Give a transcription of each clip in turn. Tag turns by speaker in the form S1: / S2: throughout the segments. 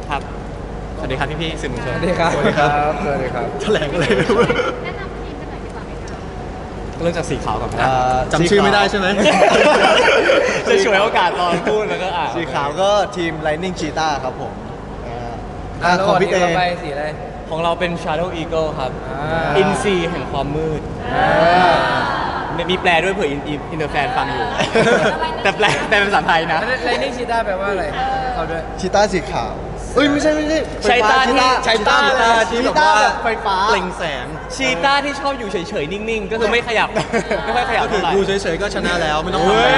S1: ครับสวัสดีครับพี่ๆสื่อมวลชน
S2: สวัสดีครับ
S3: สวัสดีครับ
S2: สวัสดีครับ
S3: แถลงอะไรไม่รู้
S4: แนะนำทีมกันหน่อยดีกว่าไหมคะ
S1: เริ่มจากสีขาวก่อนนะ
S3: จำชื่อไม่ได้ใช่ไหม
S1: จะช่วยโอกาสตอนพูดแล้วก็
S3: สีขาวก็ทีม Lightning Cheetah ครับผมของพี่เต้
S2: ไปสีอะไร
S1: ของเราเป็น Shadow Eagle ครับ
S2: อ่า
S1: อินซีแห่งความมืดมีแปลด้วยเผื่ออินเตอร์แฟนฟังอยู่ แต่แปลเป็นภาษาไทยนะ
S2: ไลนิ่งชีต้าแปลว่าอะไรเขาด้วย
S3: ชีต้าสีขาวเอ้ยไม่ใช่
S1: ชัยต้าที่
S3: ชีต้า
S1: ที่แบบ
S3: ต้า
S1: ว่า
S3: แบบไฟฟ้า
S1: เปล่งแสงชีต้าที่ชอบอยู่เฉยๆนิ่งๆ ก็คือไม่ขยับ ไม่ค่อยขยับ
S3: ก็คือ
S1: เท่าไหร่
S3: ดูเฉยๆก็ชนะแล้วไม่ต้องทำอะไร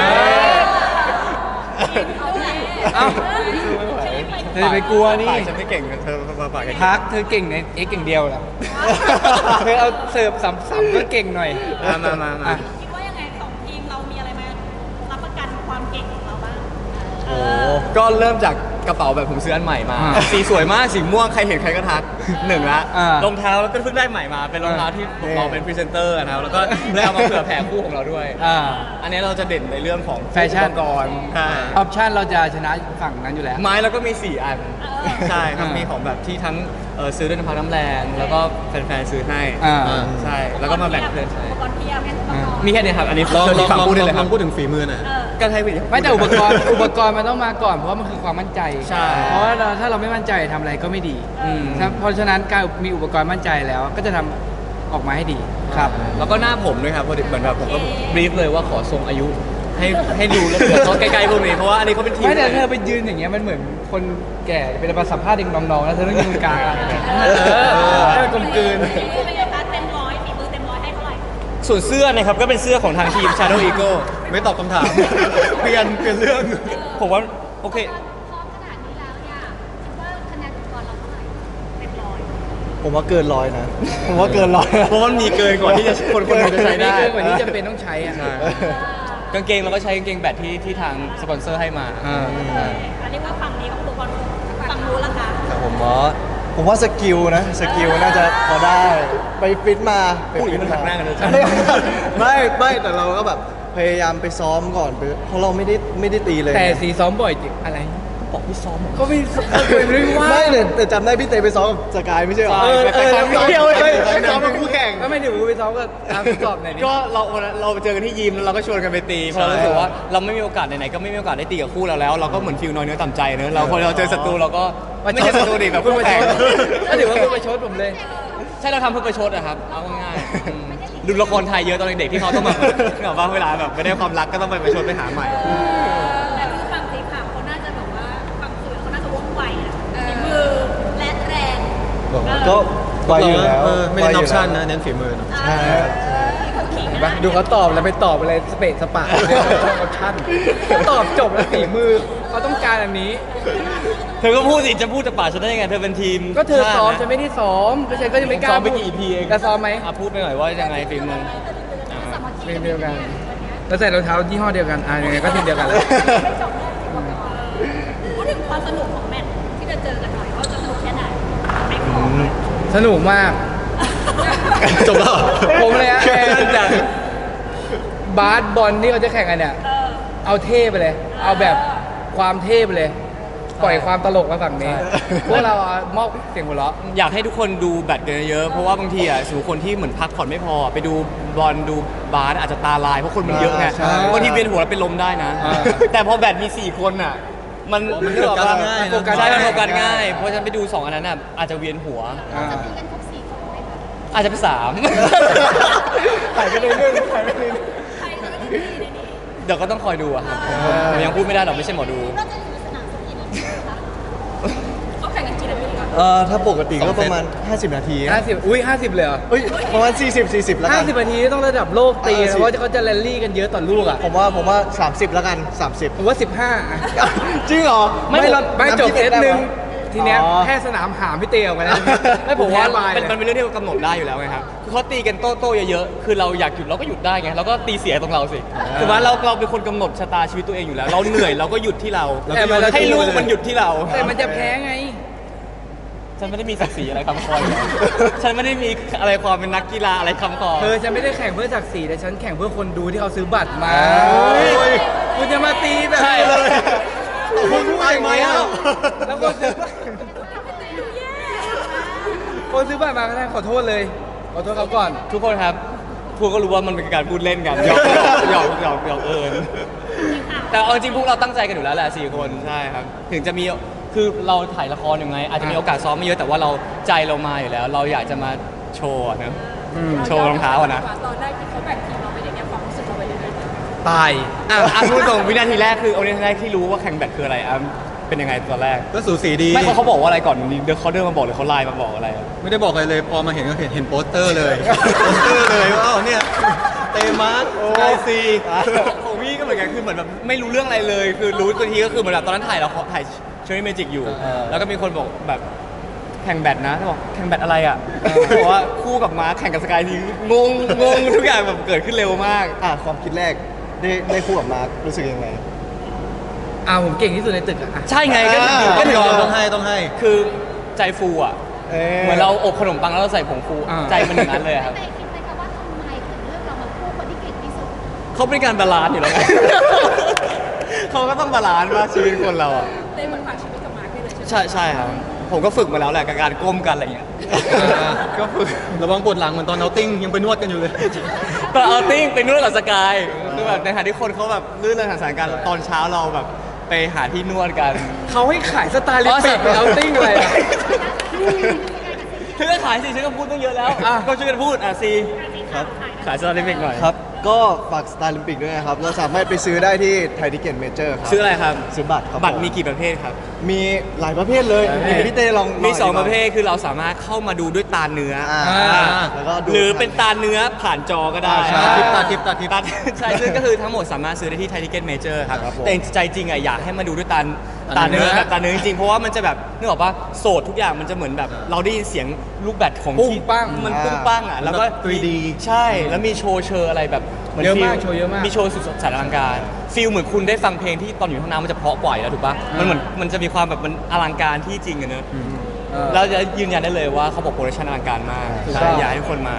S2: เอ้าเธอไปกลัวนี่
S1: ปากฉันไม่เก่งเธอมาปากเก่ง
S2: พักเธอเก่งในเอ็กอย่างเดียวแหละเธอเอาเสิร์ฟสัมก็เก่งหน่อย
S1: มา
S2: อ่ะ
S4: คิดว่ายังไงสองทีมเรามีอะไรมารับประกันความเก่งของเราบ้าง
S1: โอ้ก็เริ่มจากกระเป๋าแบบผมซื้ออันใหม่มา
S2: อ่า
S1: สีสวยมากสีม่วงใครเห็นใครก็ทักหนึ่งละ
S2: อ่าร
S1: องเท้าก็เพิ่งได้ใหม่มาเป็นรองเท้าที่ผมเราเป็นพรีเซนเตอร์นะครับแล้วก็ได้เอามาเผื่อแผ่คู่ของเราด้วย
S2: อ่า
S1: อันนี้เราจะเด่นในเรื่องของ
S2: แฟชั่น
S1: อุปกรณ์ใช่
S2: ออปชั่นเราจะชนะฝั่งนั้นอยู่แล้ว
S1: ไม้เราก็มี 4 อัน ใช่ครับ
S2: อ่ามี
S1: มีของแบบที่ทั้งซื้อด้วยน้ำพักน้ำแรงแล้วก็แฟนๆซื้อให้
S2: อ่า
S1: ใช่แล้วก็มาแบ่งเพื่อนใช้
S4: อุปกรณ์เพียบให้อุปกรณ์
S1: มีแค่นี้ครับอันนี้
S3: ลอง
S1: ที่ฝั่งพูดได้เลยค
S3: ล
S1: รั
S3: อบ งพูดถึงฝีมือหน่อย
S1: ก็ให้พี่
S2: ไม่แต่อุปกรณ์มันต้องมาก่อนเพราะว่ามันคือความมั่นใจ
S1: ใช่
S2: เพราะว่าถ้าเราไม่มั่นใจทำอะไรก็ไม่ดี
S1: อืม
S2: เพราะฉะนั้นการมีอุปกรณ์มั่นใจแล้วก็จะทำออกมาให้ดีครับ
S1: แล้วก็หน้าผมด้วยครับพอดีเหมือนแบบผมก็บรีฟเลยว่าขอทรงอายุให้ดูแล้วเผื่อเขาใกล้ๆพวกนี้เพราะว่าอันนี้เขาเป็นทีม
S2: ไม่แต่เธอไปยืนอย่างเงี้ยมันเหมือนคนแก่เป็นมาสัมภาษณ์เด็กน้องๆแล้วเธอต้องยืนตรงกลางอะให้มันกลมกลืน
S4: ฝีมือเป็นไงคะเต็มร้อยฝีมือเต็มร้อยให้เท่าไหร่
S1: ส่วนเสื้อนะครับก็เป็นเสื้อของทางทีม Shadow Eagle
S3: ไม่ตอบคำถาม เปลี่ยนเรื่อง
S1: ผมว่าโอเค
S4: พร้อมขนาดนี้แล้วเนี่ยคิดว่าคะแนนอุปกรณ์เราเท่าไหร่เต็มร้อย
S3: ผมว่าเกินร้อยนะ ผมว่าเกินร้อย
S1: เพราะมันมีเกินกว่าที่จะคนหนึงจะใช้ได้
S2: เกินกว่านี้จำเป็นต้องใช้อ่ะ
S1: ใช่กางเกงเราก็ใช้กางเกงแบตที่ทางสปอนเซอร์ให้มา
S4: อันนี้ว่าฝั่งนี้ก็อุปกรณ์ฝั่งนู้นละคะ
S3: แต่ผมว่าสกิลนะสกิลน่าจะพอได้ไปฟิตมาไป
S1: พูดอ
S3: ฟิ
S1: ย่าง
S3: ต
S1: นี้มันหักหน้ากันเลย
S3: ไม่แต่เราก็แบบพยายามไปซ้อมก่อนเพราะเราไม่ได้ตีเลย
S2: แต่สีซ้อมบ่อยจริงอะไร
S1: บอกพี่ซ้อม
S2: ก็ไม่ไม่ว่า
S3: ไม่แต่จำได้พี่เตไปซ้อมกับสกายไม่ใช่เหรอ
S1: ใช่
S3: แล้ว
S1: ไปซ้อม
S3: เดียวเลย
S1: ไปซ้อม
S3: เป็นคู่แข่ง
S2: ก็ไม่เดี๋ยวไปซ้อมก็ตามทดสอบหน่อยดิ
S1: ก็เราวันนั้นเราไปเจอกันที่ยิมแล้วเราก็ชวนกันไปตีเพราะเรารู้สึกว่าเราไม่มีโอกาสไหนๆก็ไม่มีโอกาสได้ตีกับคู่เราแล้ว เราก็เหมือนฟิลน้อยเนื้อต่ำใจเนอะเราพอเราเจอศัตรูเราก็ไม่ใช่ศัตรูดิแบบคู่แข่ง
S2: ก็ถือว่าเพื่อประชดผมเลย
S1: ใช่เราทำเพื่อประชดอะครับเอาง่ายๆดูละครไทยเยอะตอนเด็กๆที่เขาต้องแบบว่าเวลาแบบไม่ได้ความรักก็ต้องไปประชดไปหาใหม่
S4: แต่คือฝั่งสีขาวเขาน่าจะแบบว่าฝั่งสวยเขาน่าจะว่องไวนะฝีมือและแรง
S3: ก็ไวอยู่แล้ว
S5: ไม่ได้นอปชั่นนะเน้นฝีมือเนอะ
S3: ใช่ครับ
S4: เขาขิง
S2: เห็น
S4: นะ
S2: ปะดูเขาตอบแล้วไปตอบอะไรสเปซสปะเรื่องออปชั่นตอบจบแล้วฝีมือเขาต้องการอันนี้
S1: เธอก็พูดสิจะพูดจะป่าฉันได้ยังไงเธอเป็นทีม
S2: ก็เธอซ้อม
S1: ชาติ
S2: ฉันไม่ได้ซ้อมก็ฉันก็ยังไม่กล้า
S1: ซ้อมไปกี่ EP เอง
S2: จะซ้อมไหม
S1: พูดไปหน่อยว่ายังไงฝีมือ
S4: สามัคคี
S2: เพลงเดียวกันแล้วใส่รองเท้ายี่ห้อเดียวกันยังไงก็ทีมเดียวกันแหละ
S4: ไม่จบเลยพูดถึงความสนุกของแมตช์ที่จะเจอกันหน่อยว่าจะสนุกแค่ไหนไม่ขอ
S2: สนุกมาก
S3: จบแล้วเหรอ
S2: ผมเลยฮะ
S1: แค่นั้นจ้ะ
S2: บาสบอลที่เขาจะแข่งกันเนี่ย เอาเท่ไปเลย เอาแบบความเท่ไปเลย ปล่อยความตลกมาฝั่งนี้ พวกเรามอบเสียงหัวเราะ
S1: อยากให้ทุกคนดูแบดกันเยอะๆเพราะว่าบางทีสมมติคนที่เหมือนพักผ่อนไม่พอ ไปดูบอลดูบาสอาจจะตาลายเพราะคนมันเยอะไง
S3: ใช่
S1: บางทีเวียนหัวแล้วเป็นลมได้นะ
S2: อ่า
S1: แต่พอแบดมี 4 คนอ่ะมัน
S3: มันโฟกัสง่ายนะ
S1: โฟกัสใช่มันโฟกัสง่ายเพราะฉะนั้นไปดู 2 อันนั้นอาจจะเวียนหัว
S4: จะตีกันครบ4 คนไหมคะ
S1: อาจจะเป็น3
S3: ถ่ายไปเรื่อยๆถ่ายไปเรื่อย
S4: ใครจะไม่ได้ตีในนี้
S1: เดี๋ยวก็ต้องคอยดูอะครับผมยังพูดไม่ได้หรอกไม่ใช่หมอดู
S4: น่าจะอยู่สนามสักกี่นาทีคะเขาแข่งกันกี่นาทีก่อน
S3: ถ้าปกติก็ประมาณ 50 นาที
S2: 50 อุ้ย 50 เลยเหรอ
S3: เอ้ยประมาณ 40 แล้วกัน
S2: 50 นาทีต้องระดับโลกตีนะ
S3: 50
S2: เพราะเขาจะแรลลี่กันเยอะต่อลูกอ่ะ
S3: ผมว่า 30 แล้วกัน 30
S2: ผมว่า 15อ่ะ
S3: จริงเหรอ
S2: ไม่จบเซตหนึ่งทีเนี้ย
S3: อ๋อ
S2: แค่สนามหามพี่เตะออกมาแล้ว
S1: ไม่ผมว่า
S2: แพ้บาย
S1: มันเป็นเรื่องที่เรากำหนดได้อยู่แล้วไงครับคือเขาตีกันโต้เยอะๆคือเราอยากหยุดเราก็หยุดได้ไงเราก็ตีเสียตรงเราสิคือว่าเราเป็นคนกำหนดชะตาชีวิตตัวเองอยู่แล้ว เราเหนื่อยเราก็หยุดที่เรา
S2: แต่มัน
S1: ให้ลูกมันหยุดที่เรา
S2: แต่มันจะแพ้ไง
S1: ฉันไม่ได้มีศักดิ์ศรีอะไรคำคอย ฉันไม่ได้มีอะไรความเป็นนักกีฬาอะไรคำคอ
S2: ฉันไม่ได้แข่งเพื่อศักดิ์ศรีแต่ฉันแข่งเพื่อคนดูที่เขาซื้อบัตรมา
S3: โอ้ย
S2: คุณจะมาตีแบบ
S1: ใช่เลย
S3: คุณพูดอย่างนี้
S2: แล้วคนซื้อคนซื้อบัตรมาก็ได้ขอโทษเลยขอโทษเขาก่อน
S1: ทุกคนครับพวกก็รู้ว่ามันเป็นการพูดเล่นกันหยอกเอิญแต่เอาจริงพวกเราตั้งใจกันอยู่แล้วแหละ4 คนใช่ครับถึงจะมีคือเราถ่ายละครยังไง อาจจะมีโอกาสซ้อมไม่เยอะแต่ว่าเราใจเรามาอยู่แล้ว เราอยากจะมาโชว์อะนะโชว์รองเท้าอะนะ
S4: ตอนแรกที่เขาแบ่งทีมเราไปอย่างเงี้ยความรู้สึกเราเป็นยังไง
S2: ตาย
S1: พูดตรงวินาทีแรกคือวินาทีแรกที่รู้ว่าแข่งแบดคืออะไรเป็นยังไงตอนแรก
S5: ก็สูสีดี
S1: ไม่เขาบอกว่าอะไรก่อนเดี๋ยวเขาเดินมาบอกหรือเขาไลน์มาบอกอะไรอะ
S5: ไม่ได้บอกอะไรเลย พอมาเห็นก็เห็นโปสเตอร์เลย โปสเตอร์เลยว่าอ้าวเนี่ย เตมาร์สสกายซี
S1: ของพี่ก็เหมือนกันคือเหมือนแบบไม่รู้เรื่องอะไรเลย คือรู้ตัวทีก็คือเหมือนแบบตอนนั้นถ่ายเชอรี่เมจิกอยู่ แล้วก็มีคนบอกแบบแข่งแบดนะบอกแข่งแบดอะไรอ่ะบอกว่าคู่กับม้าแข่งกับสกายทีงงทุกอย่างแบบเกิดขึ้นเร็วมาก
S3: ความคิดแรกได้คู่กับมาร์ครู้สึกยังไง
S2: ผมเก่งที่สุดในตึกอะ
S1: ใช่ไงก็
S5: ก็
S1: ถึง
S5: ยอมต้องให้
S1: คือใจฟูอ่ะเหมือนเราอบขนมปังแล้วเราใส่ผงฟูใจมันอย่างนั้นเลยครับ
S4: แต่คิดไหมคะว่าทำไมถึงเลือกเรามาคู่คนที่เก่งที่สุด
S1: เขาเป็นการบาลานซ์อยู่แล้วไง เขาก็ต้องบาลานซ์ว่าชีวิตคนเราอ่ะ
S4: เต้เหมือนฝากชีวิตกับมาร์คได้เลยใช่ไหม
S1: ใช่ครับผมก็ฝึกมาแล้วแหละกับการก้มกันอะไรอย่างเงี้ย ก็ฝึก
S5: ระวังปวดหลังเหมือนตอนเอาติ้งยังไปนวดกันอยู่เลย
S1: ตอนเอาติ้งไปนวดกับสกายคือแบบในขณะที่คนเขาแบบลื่นเริงทางสายการตอนเช้าเราแบบไปหาที่นวดกัน
S2: เขาให้ขายสไตล์ลิปปิกไปเอาติ้งอะไรอะ
S1: ฉันก็ขายสิฉันก็พูดตั้งเยอะแล้ว ก็ช่วยกันพูดซี
S3: ครับ
S1: ขายสตาร์ลิมิกหน่อย
S3: ครับ ก็ฝากสไตล์ลิมปิกด้วยนะครับ เราสามารถไปซื้อได้ที่ไทยทิเก็ตเมเจอร์ครับ
S1: ซื้ออะไรครับ
S3: ซื้อบัตรครับ
S1: บัตร
S3: ผ
S1: มีกี่ประเภทครับ
S3: มีหลายประเภทเลยเดี๋ยวพี่เต้ลอง
S1: มี
S3: ธิบาย
S1: 2 ประเภทคือเราสามารถเข้ามาดูด้วยตาเนื้ออ
S3: แล้วก็ดู
S1: หรือเป็นตาเนื้อผ่านจอก็ได้
S3: ใช่
S5: ตาทิพย์
S1: ใช่ซึ่งก็คือทั้งหมดสามารถซื้อได้ที่ไทยทิเก็ตเมเจอร์ครับ
S3: ครับผม
S1: แต่ใจจริงอ่ะอยากให้มาดูด้วยตาเนื้อแบบตาเนื้อจริงๆเพราะว่ามันจะแบบนึกออกปะโสดทุกอย่างมันจะเหมือนแบบเราได้ยินเสียงลูกแบตของ
S2: ปุ้ง
S1: ที่
S2: ปั้ง
S1: มันปุ้งปั้งอ่ะแล้วก็
S5: แบบ 3D
S1: ใช่แล้วมีโชว์เชอร์อะไรแบบหน
S2: เยอะมาก
S1: ฟีล
S2: โชว์เยอะมาก
S1: มีโชว์สุดสายอลังการฟีลเหมือนคุณได้ฟังเพลงที่ตอนอยู่ข้างน้ำมันจะเพราะกว่าอยู่แล้วถูกปะมันเหมือนมันจะมีความแบบมันอลังการที่จริงอะเนอะเราจะยืนยันได้เลยว่าเขาบอกโปรดักชันอลังการมาก
S2: ถูกต้
S1: ใช่
S2: อง
S1: อยากให้ทุกคนมา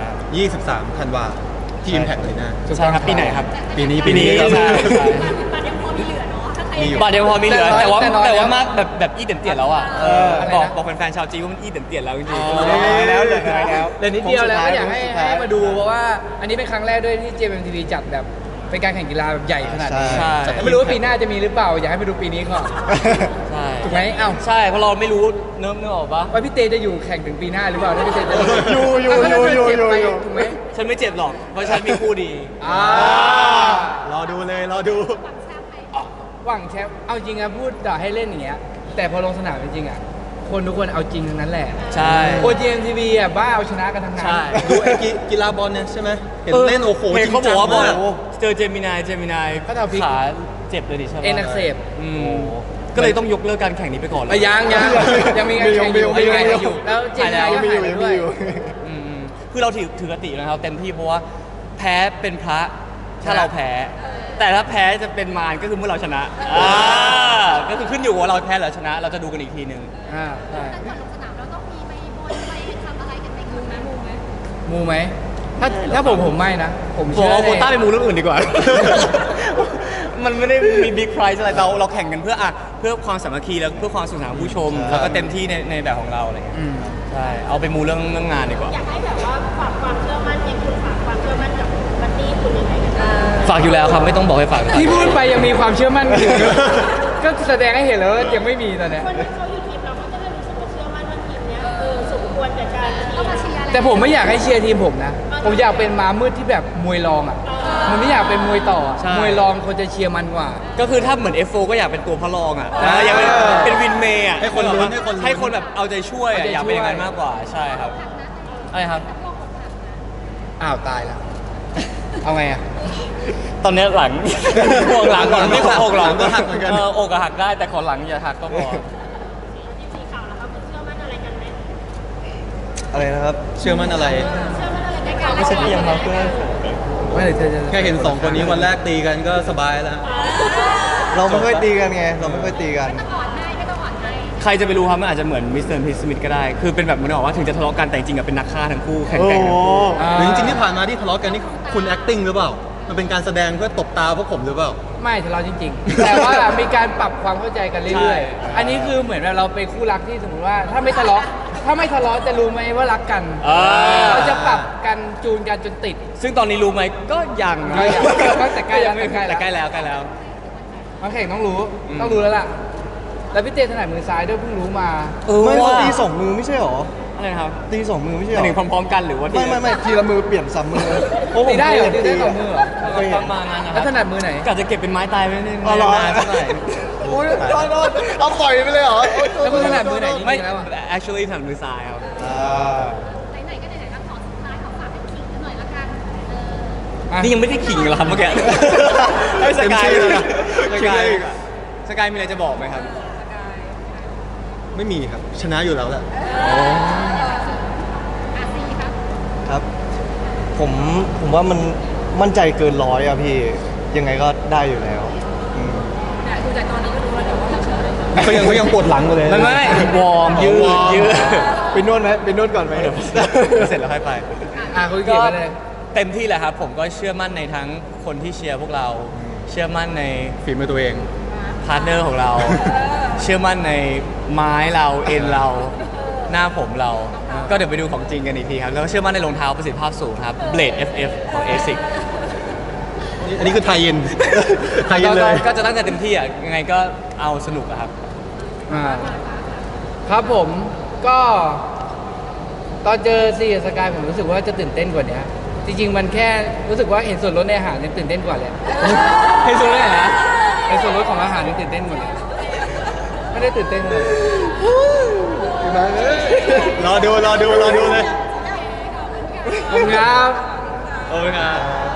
S5: 23 ธันวาที่ Impact เลยนะ
S1: ใช่ครับปีไหนครับ
S5: ปีนี้
S1: ปีนี้
S5: ครับ
S1: ใช่
S4: บัตรยังพอมีเหลือเนาะถ้าใคร
S5: มีอยู่
S1: บัตรยังพอมีเหลือ
S2: แต่
S1: แต่
S2: น้
S1: ว่า
S2: อยแต่น้อย
S1: แต่ว่า
S2: แล้ว
S1: มากแบบอีเด่นเตี่ยแล้วอ่ะ
S2: อะไรนะ
S1: บอกแฟนๆชาวจีนว่ามันอีเด่นเตี่ยแล้วจริง
S3: แล้วเหลือน้อยแล้ว
S2: เหลือนิดเดียวแล้วก็อยากให้
S3: สุดท้าย
S2: ให้มาดูเพราะว่าอันนี้เป็นครั้งแรกด้วยที่ JMTV จัดแบบเป็นการแข่งกีฬาแบบใหญ่ขนาดนี้
S3: ใช่
S2: แต่ไม่รู้ว่าปีหน้าจะมีหรือเปล่า อยากให้มาดูปีนี้ก่อน
S1: ใช่
S2: ถูกไหมเอ้า
S1: ใช่เพราะเราไม่รู้เนื้อออกปะ
S2: ว่าพี่เตจะอยู่แข่งถึงปีหน้าหรือเปล่าถ้าพี่เตจะ
S3: อยู่
S2: ถ้าพี่เตเจ็บไป
S3: อยู่
S2: ถูกไหม
S1: ฉันไม่เจ็บหรอกเพราะฉันมีคู่ดี
S5: รอดูเลย รอดู
S2: หวังแชมป์เอาจริงอะพูดด่าให้เล่นอย่างเงี้ยแต่พอลงสนามจริงๆอะคนทุกคนเอาจริงทั้งนั้นแหละ
S1: ใช่
S2: โอ JMTV อะบ้าเอาชนะกันทั้งนั้น
S1: ใช่
S5: ดูไอ้กีฬาบอลเนี่ยใช่ไหม เห็นเล่นโอ้โห
S1: เห็นเขาบอกว่า
S5: จริงจัง
S1: บอล
S5: มาก
S1: เจอเจมินาย
S2: เขาเอาพลิก
S1: ขาเจ็บเลยดิใช่ปะ
S2: เอ็นอักเสบ
S1: อืมก็เลยต้องยกเลิกการแข่งนี้ไปก่อนเลย
S2: ยังมีการแข่งอยู่
S3: มี
S2: ยังมีการ
S3: มี
S2: แข่งอยู่แล้วเจมส์ไลน์ก็หายไปด้วย
S1: อืมคือเราถือกตินะครับเต็มที่เพราะว่าแพ้เป็นพระถ้าเราแพ้ แต่ถ้าแพ้จะเป็นมารก็คือเมื่อเราชนะก็คือขึ้นอยู่ว่าเราแพ้หรือชนะ เราจะดูกันอีกทีหนึ่ง
S2: ใช่
S4: แต่ก่อนลงสนามเราต้องมีไปบนไปทำอะไรกันไหมมูไหมมูไหม
S2: มูไหมถ้าผมไม่นะ ผม
S1: ผม
S2: เชื่อ
S1: เอาโควต้าไป
S2: ใน
S1: มูเรื่องอื่นดีกว่า มันไม่ได้มีบิ๊กไพรส์อะไรเราแข่งกันเพื่อความสามัคคีแล้วเพื่อความสนุกสนานของผู้ชม แล้วก็เต็มที่ในแบบของเราอะไรเงี้ย
S2: อืม
S1: ใช่เอาไปมูเรื่องงานดีกว่า
S4: อยากให้แบบว่าฝากความเชื่อมั่นยังคุณฝากความเชื่อมั่นกับบัดดี้คุณยังไงกันบ้าง
S1: ฝากอยู่แล้วครับไม่ต้องบอกให้ฝาก
S2: ที่พูดไปยังมีความเชื่อมั่นอยู่ ก็แสดงให้เห็นแล้วว่ายังไม่มีตอนเนี้ย
S4: คนที่เขาอยู่ทีมเราก็จะได้รู้สึกว่าเชื่อมั่นว่าทีมเนี้ยสมควรกับการที่มาเชียร์อะไร
S2: แต่ผมไม่อยากให้เชียร์ทีมผมนะ ผมอยากเป็นม้ามืดที่แบบมวยรองอ่ะ มันไม่อยากเป็นมวยต่ออะ
S1: ใช่
S2: มวยรองคนจะเชียร์มันกว่า
S1: ก็คือถ้าเหมือน F4 ก็อยากเป็นตัวพระรองอ่ะอยากเป็นวินเมย์อ่ะ
S5: ให้คนลุ้นให้คนลุ้น
S1: ให้คนแบบเอาใจช่วยอะ
S2: เอาใจช่วย
S1: อยากเป็นอย่างนั้นมากกว่าใช่ครับอะไรครับ
S2: อ้าวตายแล้ว เอาไงอ่ะ
S1: ตอนนี้หลัง ห่วงหลังก่อนไม่ขออกหลัง
S5: ก็หักเหมือนกัน
S1: อกก็หักได้แต่ขอหลังอย่าหักก็พอ
S4: ที่สีขาวแล้วครับเชื่อมั่นอะไรกันไหม
S3: อะไรนะครับ
S5: เชื่อมั่นอะไร
S4: เชื่อมั่นอะไรกัน
S1: ไม่ใช่เพียงครับเพื่อน
S2: ไม่เลยเธอจะ
S5: แค่เห็น 2 คนนี้วันแรกตีกันก็สบายแล้ว
S3: เราไม่ค่อยตีกันไง เราไม่ค่อยตีกัน
S4: ไม่ต้องอ่อนให้ไม่ต้องอ่อนให้
S1: ใครจะไปรู้ครับมันอาจจะเหมือนมิสเตอร์พีสมิธก็ได้ คือเป็นแบบมันบอกว่าถึงจะทะเลาะกันแต่จริงๆอะเป็นนักฆ่าทั้งคู่แข่ง
S3: โอ้
S1: กัน
S3: โห
S5: หรือจริงๆที่ผ่านมาที่ทะเลาะกันนี่คุณ acting หรือเปล่า มันเป็นการแสดงเพื่อตบตาพวกผมหรือเปล่า
S2: ไม่ทะเลาะจริง ๆ แต่ว่ามีการปรับความเข้าใจกันเรื่อยๆ อันนี้คือเหมือนแบบเราเป็นคู่รักที่สมมติว่าถ้าไม่ทะเลาะถ้าไม่ทะเลาะจะรู้ไหมว่ารักกัน
S1: อ่า
S2: เราจะปรับกันจูนกันจนติด
S1: ซึ่งตอนนี้รู้ไหมก็ยัง
S2: ก็ยังแต่ใกล้แล้ว
S1: แต่ใกล้แล้วใกล้แล้ว
S2: มาแข่งต้องรู้
S1: อืม
S2: ต้องรู้แล้วล่ะ แล้วพี่เจถนัดมือซ้ายด้วยเพิ่งรู้มา
S3: ไม่
S1: ว่า
S3: ตีสองมือไม่ใช่หรอ
S1: อะไรนะครับ
S3: ตีสองมือไม่ใช่ห
S1: ห
S3: ร
S1: มาย
S3: อ
S1: ถึงพร้อมๆกันหรือว่า
S3: ไม่ทีละมือเปลี่ยนสามมือโอ้ผม
S2: ตีได้เหรอ
S3: เคย
S2: ตี
S3: เห็น
S2: ได้สองมือเหรอ
S3: เคยเห็
S1: ป
S3: น
S1: ระมาณนั้นนะค
S2: แล้
S1: รั
S2: ว
S1: บ
S2: ถนัดมือไหน
S1: กะจะเก็บเป็นไม้ตายไว้นิดนึง
S3: อ๋อเหรอ
S1: นานๆสักหน่อย
S3: โอ้ยโทษเอาปล่อยไปเลยเหรอ
S2: แล้วคุณถนัดมือไหน
S1: ไม่
S2: จริงๆแล้วอะ
S1: actually ถนัดมือซ้ายครับ
S4: ไหนๆก็ไหนๆแล้วขอสุดท้ายขอฝากให้ขิงกันหน่อยละกัน
S2: อ่ะ
S1: นี่ยังไม่ได้ขิงเหรอครับเมื่อกี้ให้สกาย
S5: เต็มที่
S1: เลย
S5: เลย
S1: สกายสกายมีอะไรจะบอกไหมครับ
S5: ไม่มีครับ ชนะอยู่แล้วแหละ
S4: อาซีครับ
S3: ครับ ผมว่ามันมั่นใจเกินร้อยอะพี่ ยังไงก็ได้อยู่แล้วอืม
S4: แต่ดูจากตอนนี้ก็รู้แล้วเดี๋ยวว่าเฉย
S5: เขายังปวดหลังอยู่เลย
S1: ไม่วอร์มยืด
S5: วอร์ม
S1: ยืด
S3: ไปนวดไหมไปนวดก่อนไหม
S1: เดี๋ยวเสร็จแล้วค่อยไป
S2: อ่ะคุณเกียรติไปเลย
S1: เต็มที่แหละครับ ผมก็เชื่อมั่นในทั้งคนที่เชียร์พวกเรา เชื่อมั่นใน
S5: ฝีมือตัวเอง
S1: พาร์ทเนอร์ของเรา เชื่อมั่นในไม้เราเอ็นเรา หน้าผมเรา ก็เดี๋ยวไปดูของจริงกันอีกทีครับ แล้วก็เชื่อมั่นในรองเท้าประสิทธิภาพสูงครับ Blade FF ของ ASIC
S5: อันนี้คือไทยเย็น ไทยเย็นเลย
S1: ก็จะตั้งใจเต็มที่อ่ะ ยังไงก็เอาสนุกอะครับ
S2: อ่าครับผมก็ตอนเจอซีกับสกายผมรู้สึกว่าจะตื่นเต้นกว่านี้จริงๆมันแค่รู้สึกว่าเห็นส่วนลดในอาหารเนี่ยตื่นเต้นกว่าเลย
S1: ให้สุดเลยนะ
S2: เห็นส่วนลดของอาหารเนี่ยตื่นเต้นกว่าเลยไม่ได้ตื่นเต้นเลย
S5: รอดูเลย
S2: ขอบคุณครับ
S1: โอ้ยครับ